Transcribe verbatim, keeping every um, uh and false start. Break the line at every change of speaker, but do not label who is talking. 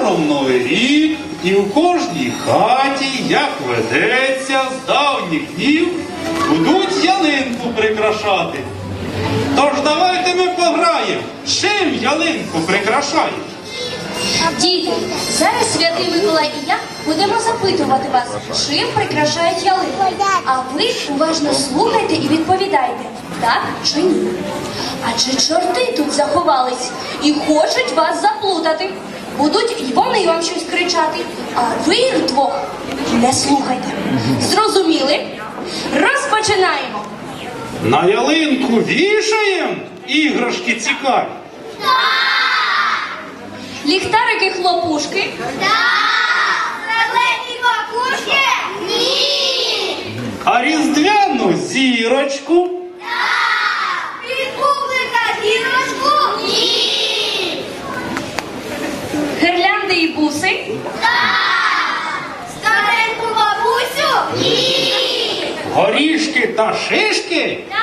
Скоро Новий рік, і в кожній хаті, як ведеться, з давніх днів будуть ялинку прикрашати. Тож давайте ми пограємо, чим ялинку прикрашають.
Діти, зараз Святий Миколай і я будемо запитувати вас, чим прикрашають ялинку. А ви уважно слухайте і відповідайте, так чи ні. Адже чорти тут заховались і хочуть вас заплутати. Будуть і вони вам щось кричати, а ви їх двох не слухайте. Зрозуміли? Розпочинаємо.
На ялинку вішаємо іграшки цікаві.
Ліхтарики хлопушки.
Зелені макушки? Ні!
А різдвяну зірочку.
Від бублика зірочку? Ні!
Гирлянди і буси.
Стареньку бабусю? Ні!
Горішки та шишки.
Так!